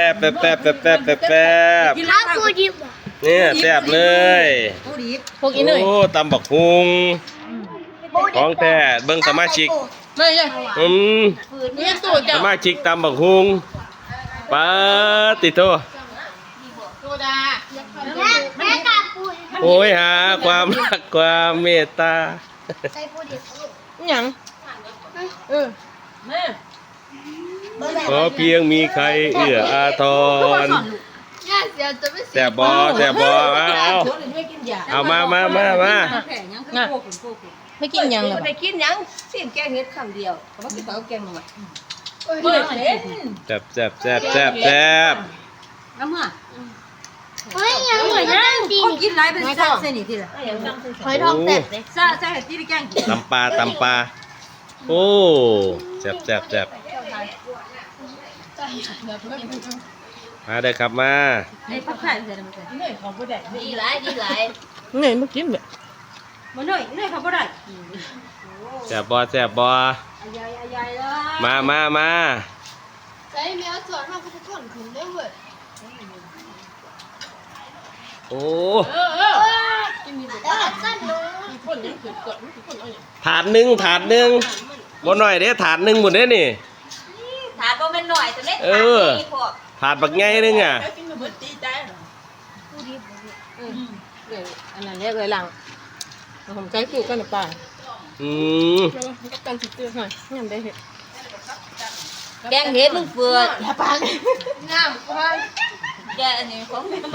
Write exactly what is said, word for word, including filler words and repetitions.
บแป๊บแป๊บแป๊บแป๊บแป๊บแป๊บข้าวปูดิบเนี่ยแซ่บเลยพวกอีหน่อยโอ้ตำบักฮุงของแท้เบิ่งสมาชิกไม่ใช่อืมนี่สูตรสเจ้ามาชิกตำบักฮุงปาติโตโซดาแม่แม่กับปูโอ้ยหาความรักความเมตตาใส่ปูดิบหยังเออแม่ขอเพียงมีใครเอื้ออาทรย่าเสียจะไม่เสีแซ่บบ่แซ่บบ่เอาเอาเอามามามามาไม่กินหยังหรอไปกินยังเสียงแกงเฮ็ดคำเดียวเขาบอกกินเขาแกงหน่อยเปิดเล่นแซ่บแซ่บแซ่บแซ่บแซ่บน้ำมันเฮ้ยยังเหมือนนั่งดีเขากินไรเป็นซาเส้นนี่ทีละหอยทองแซ่บเลยซาซาเห็ดที่แกงกินตำปลาตำปลาโอ้แซ่บแซ่บแซ่บมาได้ครับมาไอ้ผักไข่ใส่น้ำใส่ดีหลายดีหลายเหนื่อยมากินแบบมันหน่อยหน่อยเขาบ่ได้แซ่บบ่แซ่บบ่ยายยายเลยมามามาใส่แมวสอนมาพุทธคนขึ้นได้เว้ยโอ้เออเออกินมีแต่สั้นเลยมีคนยังขืนกดมีคนเอาอย่างถาดหนึ่งถาดหนึ่งบ่หน่อยเด้ถาดหนึ่งหมดเด้นี่ถาดบ่แม่นหน่อยแต่เล็กเออ ถาดบักใหญ่นึงอ่ะแล้วกินมาเบิดตีใจเหรอปูดิบเออเดี๋ยวอันนั้นเรียกเลยหลังผมใช้สูตรกันหรือเปล่าอืมแล้วก็กันติดเตือนหน่อยยังได้เห็ดแกงเฮ็ดมึงเฟืออย่าปากงามกว่าแกอันนี้ของ